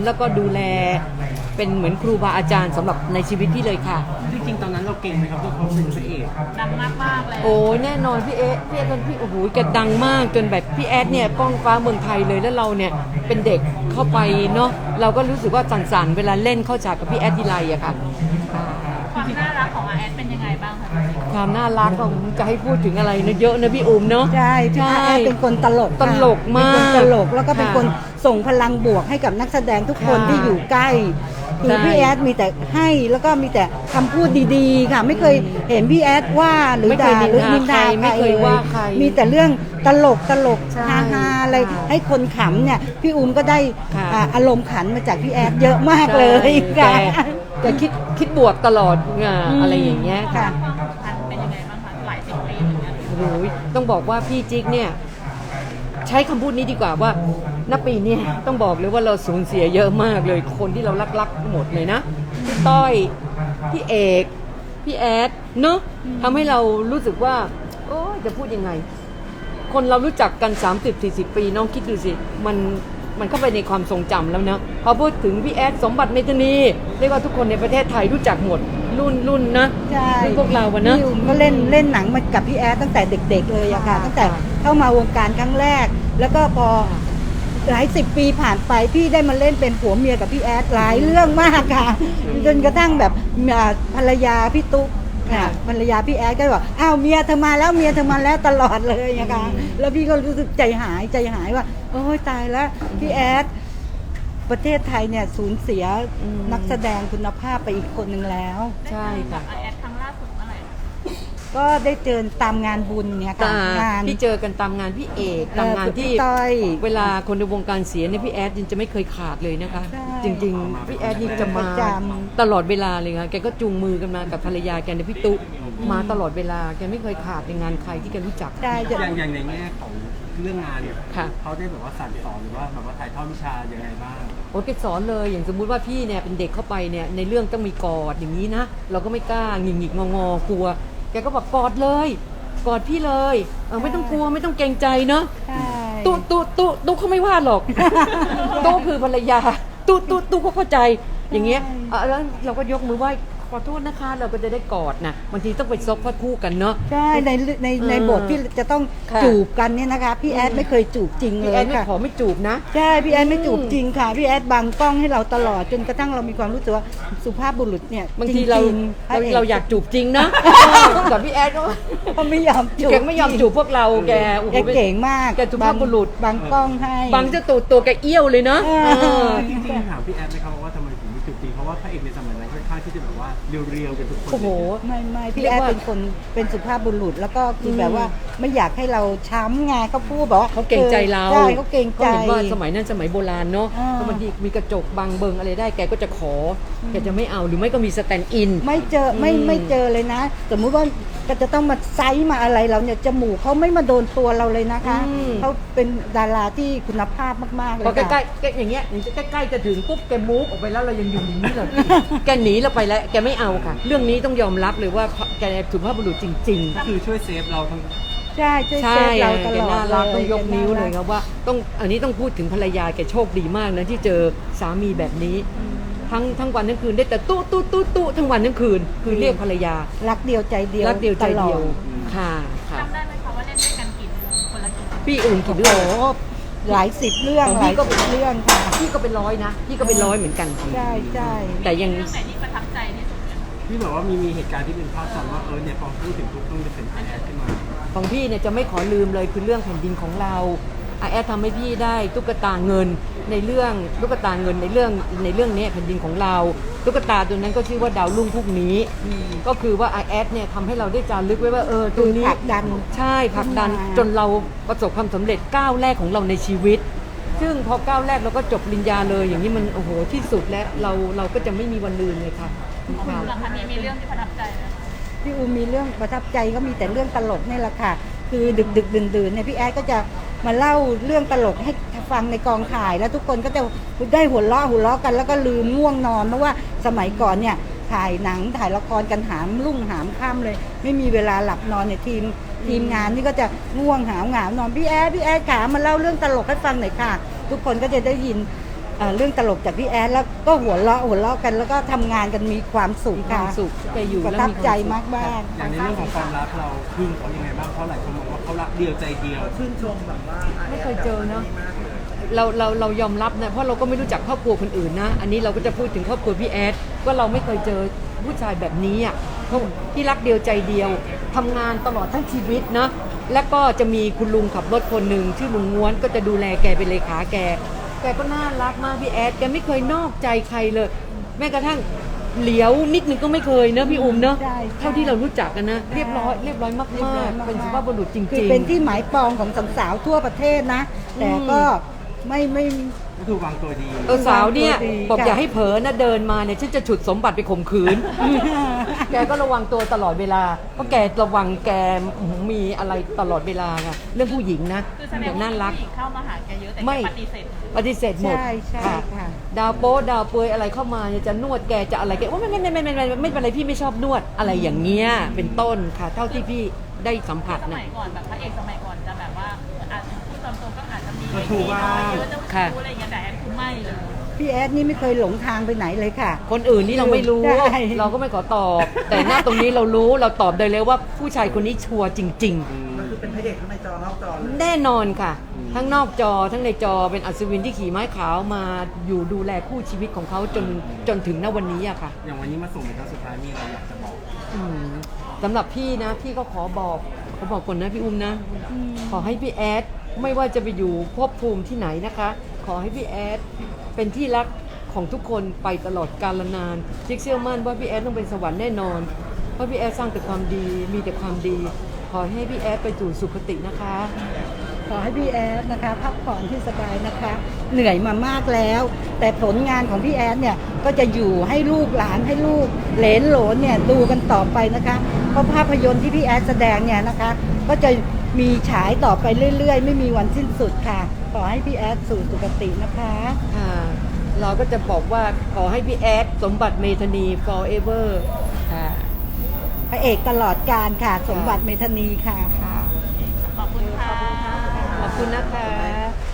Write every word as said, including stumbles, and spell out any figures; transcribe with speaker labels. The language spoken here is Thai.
Speaker 1: แล้วก็ดูแลเป็นเหมือนครูบาอาจารย์สำหรับในชีวิตพี่เลยค่ะ
Speaker 2: จริงๆตอนนั้นเราเก่งไหมครับที่เขาเป็นพระเอก
Speaker 3: ดังมากมากเลย
Speaker 1: โอ้แน่นอนพี่เอ๊ะพี่เอ๊ะตอนพี่โอ้โหแกดังมากจนแบบพี่แอดเนี่ยก้องฟ้าเมืองไทยเลยแล้วเราเนี่ยเป็นเด็กเข้าไปเนาะเราก็รู้สึกว่าสั่นๆเวลาเล่นเข้าฉากกับพี่แอดทีไรอะค่ะ
Speaker 3: ความน่ารักของอาแอดเป็นยังไงบ้างคะ
Speaker 1: ความน่ารักของจะให้พูดถึงอะไรนะเยอะนะพี่อุ้มเนาะ
Speaker 4: ใช่พี่อาแอดเป็นคนตลก
Speaker 1: ตลกมาก
Speaker 4: เป็นคนตลกแล้วก็เป็นคนส่งพลังบวกให้กับนักแสดงทุกคนที่อยู่ใกล้คือพี่แอดมีแต่ให้แล้วก็มีแต่คำพูดดีๆค่ะไม่เคยเห็นพี่แอดว่าหรือด่าหรือนินทาใครเลยมีแต่เรื่องตลกตลกฮาฮาอะไรให้คนขำเนี่ยพี่อุ้มก็ได้อารมณ์ขันมาจากพี่แอดเยอะมากเลยค่ะ
Speaker 1: แกคิดคิดบวกตลอดอะไรอย่างเงี้ยค่ะ
Speaker 3: เป็นยังไงบ้างคะหลายสิบปีเหมือนกัน
Speaker 1: โอ้ยต้องบอกว่าพี่จิ๊กเนี่ยใช้คำพูดนี้ดีกว่าว่าณปีนี้ต้องบอกเลยว่าเราสูญเสียเยอะมากเลยคนที่เรารักๆหมดเลยนะพี่ต้อยพี่เอกพี่แอดเนาะทำให้เรารู้สึกว่าโอ้จะพูดยังไงคนเรารู้จักกัน สามสิบถึงสี่สิบ ปีน้องคิดดูสิมันมันเข้าไปในความทรงจำแล้วนะพอพูดถึงพี่แอดสมบัติเมธานีเรียกว่าทุกคนในประเทศไทยรู้จักหมดรุ่นรุ่นนะ
Speaker 4: ใช่
Speaker 1: พวกเราอะนะ
Speaker 4: พี่อุ้มก็เล่นเล่นหนังมากับพี่แอดตั้งแต่เด็กๆเลยอะค่ะตั้งแต่เข้ามาวงการครั้งแรกแล้วก็พอหลายสิบปีผ่านไปพี่ได้มาเล่นเป็นผัวเมียกับพี่แอดหลายเรื่องมากค่ะจนกระทั่งแบบภรรยาพี่ตุ๊กค่ะภรรยาพี่แอดก็บอกอ้าวเมียเธอมาแล้วเมียเธอมาแล้วตลอดเลยนะคะแล้วพี่ก็รู้สึกใจหายใจหายว่าโอ้ยตายแล้วพี่แอดประเทศไทยเนี่ยสูญเสียนักแสดงคุณภาพไปอีกคนหนึ่งแล้ว
Speaker 1: ใช่ค่ะ
Speaker 3: อาแอดครั้งล่าสุดเมื่อไหร่
Speaker 4: ก็ได้เจอตามงานบุญเนี่ยค่ะ
Speaker 1: งานที่เจอกันตามงานพี่เอกตามงานที่เวลาคนในวงการเสียเนี่ยพี่แอดจะไม่เคยขาดเลยนะคะจริงๆพี่แอดนี่จะมาตลอดเวลาเลยค่ะแกก็จูงมือกันมากับภรรยาแกในพี่ตุ๊มาตลอดเวลาแกไม่เคยขาดในงานใครที่แกรู้จัก
Speaker 2: อย่างอย่างในแง่ของเรื่องงานเนี่ย
Speaker 1: ค่ะ
Speaker 2: เขาได้แบบว่าสั่งสอนหรือว่าแบบว่าถ่ายทอดวิชายังไงบ้าง
Speaker 1: โอ้แกสอนเลยอย่างสมมุติว่าพี่เนี่ยเป็นเด็กเข้าไปเนี่ยในเรื่องต้องมีกอดอย่างนี้นะเราก็ไม่กล้าหงิกหงิกงองอกลัวแกก็บอกกอดเลยกอดพี่เลยเออไม่ต้องกลัวไม่ต้องเกรงใจเนาะตุ๊ตุ๊ตุ๊ตุ๊เขาไม่ว่าหรอกตุ๊คือภรรยาตุ๊ตุ๊ตุ๊เขาเข้าใจอย่างเงี้ยแล้วเราก็ยกมือไหว้ขอโทษนะคะเราก็จะได้กอดนะบางทีต้องไปซบพัดคู่กันเนาะ
Speaker 4: ใช่ในในในบทที่จะต้องจูบกันเนี่ยนะคะพี่แอดไม่เคยจูบจริงเลยค่ะ
Speaker 1: พี่แอดไม่ขอไม่จูบนะ
Speaker 4: ใช่พี่แอดไม่จูบจริงค่ะพี่แอดบังกล้องให้เราตลอดจนกระทั่งเรามีความรู้สึกว่าสุภาพบุรุษเนี่ย
Speaker 1: บางทีเราเราเราอยากจูบจริงนะแต่พี่แอด
Speaker 4: ก็ไม่ยอมจูบ
Speaker 1: แกไม่ยอมจูบพวกเราแก
Speaker 4: แกเก่งมาก
Speaker 1: แกสุภาพบุรุษ
Speaker 4: บังกล้องให้
Speaker 1: บังจะตัวตัวแกเอี้ยวเลยเนาะ
Speaker 2: จริงๆถามพี่แอดไหมครับว่าทำไมถึงไม่จูบจริงเพราะว่าพระเอกในสมัยนั้นค่อนข้างที่จะแบบว่าเรียวๆกันทุกคน
Speaker 1: โอ้โห
Speaker 4: ไม่ไม่พี่แอดเป็นคนเป็นสุภาพบุรุษแล้วก็คือแบบว่าไม่อยากให้เราช้ำไงเขาพูดบอกว่า
Speaker 1: เขาเก่งใจเรา
Speaker 4: ใช่เขาเก่งใจ
Speaker 1: เขาเห็นว่าสมัยนั้นสมัยโบราณเนาะเพราะบางทีมีกระจกบังเบิงอะไรได้แกก็จะขอแกจะไม่เอาหรือไม่ก็มีสแตนด์อิน
Speaker 4: ไม่เจอไม่ไม่เจอเลยนะสมมุติว่าก็จะต้องมาไซส์มาอะไรเราเนี่ยจมูกเขาไม่มาโดนตัวเราเลยนะคะเขาเป็นดาราที่คุณภาพมากๆเลย
Speaker 1: พอใกล้ๆแกอย่างเงี้ยใกล้ๆจะถึงปุ๊บแกมูฟออกไปแล้วเรายังอยู่อย่างนี้เลยแกหนีเราไปแล้วแกไม่เอาค่ะเรื่องนี้ต้องยอมรับเลยว่าแกสุภาพบุรุษจริงๆ
Speaker 2: ก็คือช่วยเซฟเราทั้ง
Speaker 4: ใช่ช่วยเซฟเราตลอดเลย
Speaker 1: ต้องยกนิ้วเลยครับว่าต้องอันนี้ต้องพูดถึงภรรยาแกโชคดีมากนะที่เจอสามีแบบนี้ทั้งทั้งวันทั้งคืนได้แต่ตู้ตู้ตู้ตู้ทั้งวันทั้งคืนคือเรียกภรรยา
Speaker 4: รักเดียวใจเดียว
Speaker 1: รักเดียวใจเดียวค่ะ
Speaker 3: ค่ะจำได้ไหมคะว่าเล่นด้วยกันกี่คนละกี่
Speaker 1: พี่อื่นกี่เรื่อง
Speaker 4: หลายสิบเรื่องหลายก็เป็นเรื่องค่ะ
Speaker 1: พี่ก็เป็นร้อยนะพี่ก็เป็นร้อยเหมือนกัน
Speaker 4: ใช่ใช่
Speaker 1: แต่ยัง
Speaker 3: เรื่องไหนที่ประทับใจที่สุด
Speaker 2: พี่บอกว่ามีมีเหตุการณ์ที่เป็นภาพจำว่าเออเนี่ยพอพูดถึงทุกต้องจะเป็นไอแอดขึ้นมา
Speaker 1: ของพี่เนี่ยจะไม่ขอลืมเลยคือเรื่องแผ่นดินของเราไอแอดทำให้พี่ได้ตุ๊กตาเงินในเรื่องตุ๊กตาเงินในเรื่องในเรื่องนี้แผ่นดินของเราตุ๊กตาตัวนั้นก็ชื่อว่าดาวรุ่งพวกนี้ก็คือว่าไอแอดเนี่ยทำให้เราได้จารึกไว้ว่าเออตัวนี้
Speaker 4: ผลักดัน
Speaker 1: ใช่ผลักดันจนเราประสบความสำเร็จก้าวแรกของเราในชีวิตซึ่งพอก้าวแรกเราก็จบปริญญาเลยอย่างนี้มันโอ้โหที่สุดแล้วเราเราก็จะไม่มีวันลืมเลยค่ะ
Speaker 3: คุณหลังจากนี้มีเรื่องที่ประทับใจไหม
Speaker 4: พี่อูมีเรื่องประทับใจก็มีแต่เรื่องตลกนี่แหละค่ะคือดึกดึกดื่นดื่นเนี่ยพี่แอดก็จะมาเล่าเรื่องตลกให้ฟังในกองถ่ายแล้วทุกคนก็จะได้หัวเราะหัวเราะกันแล้วก็ลืมง่วงนอนเพราะว่าสมัยก่อนเนี่ยถ่ายหนังถ่ายละครกันหามรุ่งหามค่ำเลยไม่มีเวลาหลับนอนเนี่ยทีมทีมงานนี่ก็จะง่วงหาวหงาวนอนพี่แอดพี่แอดขามาเล่าเรื่องตลกให้ฟังหน่อยค่ะทุกคนก็จะได้ยินอ่าเรื่องตลกจากพี่แอดแล้วก็หัวเราะหัวเราะกันแล้วก็ทำงานกันมีความสุข
Speaker 1: มีควา
Speaker 4: ค่ะ
Speaker 1: มสุขที่ไปอยู่
Speaker 4: ประ
Speaker 1: แล้ว
Speaker 4: ทับ
Speaker 1: มีความ
Speaker 4: ใจ
Speaker 1: สุข
Speaker 4: มากมาก
Speaker 2: อย่างในเรื่องของความรักเราพึ่งเขายังไงบ้างเพราะหลายคนบอกว่าเขารักเดียวใจเดียวชื่นชมแบบว่า
Speaker 1: ไม่เคยเจอเนาะเราเราเรายอมรับนะเพราะเราก็ไม่รู้จักครอบครัวคนอื่นนะ อันนี้เราก็จะพูดถึงครอบครัวพี่แอดว่าเราไม่เคยเจอผู้ชายแบบนี้อ่ะเพราะที่รักเดียวใจเดียวทำงานตลอดทั้งชีวิตนะแล้วก็จะมีคุณลุงขับรถคนหนึ่งชื่อลุงง้วนก็จะดูแลแกเป็นเลขาแก แกก็น่ารักมากพี่แอดแกไม่เคยนอกใจใครเลย แม้กระทั่งเหลียวนิดนึงก็ไม่เคยเนอะพี่อุ้มเนอะ
Speaker 4: ใช่
Speaker 1: เท่าที่เรารู้จักกันนะเรียบร้อยเรียบร้อยมาก
Speaker 4: เรียบร้อย
Speaker 1: ๆ
Speaker 4: มากๆ
Speaker 1: เป็นสุภาพบุรุษจริงๆ
Speaker 4: คือเป็นที่หมายปองของสาวๆทั่วประเทศนะ แต่ก็ไม่ไม่
Speaker 2: ก็คือวางตัวดี
Speaker 1: เออสาวเนี่ย
Speaker 4: ตัวดี
Speaker 1: บอก
Speaker 4: ค่ะ
Speaker 1: อย่าให้เผลอนะเดินมาเนี่ยฉันจะฉุดสมบัติไปข่มขืน แกก็ระวังตัวตลอดเวลาเพราะแกระวังแกมีอะไรตลอดเวลาไงเรื่องผู้หญิงนะ
Speaker 3: คือแสด
Speaker 1: แก
Speaker 3: งว่า
Speaker 1: น่ารัก
Speaker 3: ผู้หญิงเข้ามาหาแกเยอะแต่แก
Speaker 1: ไม่
Speaker 3: ปฏิเสธ
Speaker 1: ปฏิเสธหมด
Speaker 4: ใช่ใช่ค่ะ
Speaker 1: ดาวโป๊ดาวเปยอะไรเข้ามาเนี่ยจะนวดแกจะอะไรแกว่าไม่ไม่ไม่ไม่ไม่ไม่ไม่เป็นไรพี่ไม่ชอบนวดอะไรอย่างเงี้ยเป็นต้นค่ะ เท่าที่พี่ได้สัมผัส
Speaker 3: ส
Speaker 1: นะ
Speaker 3: มัยก่อนแบบพระเอกสมัยก่อนจะแบบว่าอาจจะพูดตามตรงก็อาจจะมี
Speaker 2: กระทู้บ้าง
Speaker 3: เยอะจะรู้อะไรอย่างเงี้ยแต่แอนคือไม่เลย
Speaker 4: พี่แอดนี่ไม่เคยหลงทางไปไหนเลยค่ะ
Speaker 1: คนอื่นนี่เราไม่รู้
Speaker 4: ใช่
Speaker 1: เราก็ไม่ขอตอบ แต่หน้าตรงนี้เรารู้เราตอบได้เลยว่าผู้ชายคนนี้ชัวร์จริง
Speaker 2: มันคือเป็นพระเอกทั้งในจอนอกจอเลย
Speaker 1: ๆ แน่นอนค่ะ ทั้งนอกจอทั้งในจอเป็นอัศวินที่ขี่ไม้ขาวมาอยู่ดูแลคู่ชีวิตของเขาจนจนถึงณวันนี้อะค่ะ
Speaker 2: อย่างวันนี้มาส่งเป็นครั้งสุดท้ายมีอะไรอยากจะบอก
Speaker 1: อืมสำหรับพี่นะพี่ก็ขอบอกขอบอกก่อนนะพี่อุ้มนะ ขอให้พี่แอดไม่ว่าจะไปอยู่ภพภูมิที่ไหนนะคะ ขอให้พี่แอดเป็นที่รักของทุกคนไปตลอดกาลนานจิ๊กเชื่อมั่นว่าพี่แอดต้องเป็นสวรรค์แน่นอน เพราะพี่แอดสร้างแต่ความดีมีแต่ความดี ขอให้พี่แอดไปสู่สุคตินะคะ
Speaker 4: ขอให้พี่แอดนะคะพักผ่อนที่สบายนะคะ เหนื่อยมามากแล้ว แต่ผลงานของพี่แอดเนี่ยก็จะอยู่ให้ลูกหลานให้ลูกเหลนโหลนเนี่ยดูกันต่อไปนะคะ เพราะภาพยนตร์ที่พี่แอดแสดงเนี่ยนะคะ ก็จะมีฉายต่อไปเรื่อยๆ ไม่มีวันสิ้นสุดค่ะ ขอให้พี่แอดสู่สุคตินะคะ
Speaker 1: ค่ะ เราก็จะบอกว่าขอให้พี่แอดสมบัติเมธานี forever ค่ะ
Speaker 4: พระเอกตลอดการค่ะ สมบัติเมธานีค่ะ
Speaker 3: ขอบคุณค่ะ
Speaker 1: ขอบคุณนะคะ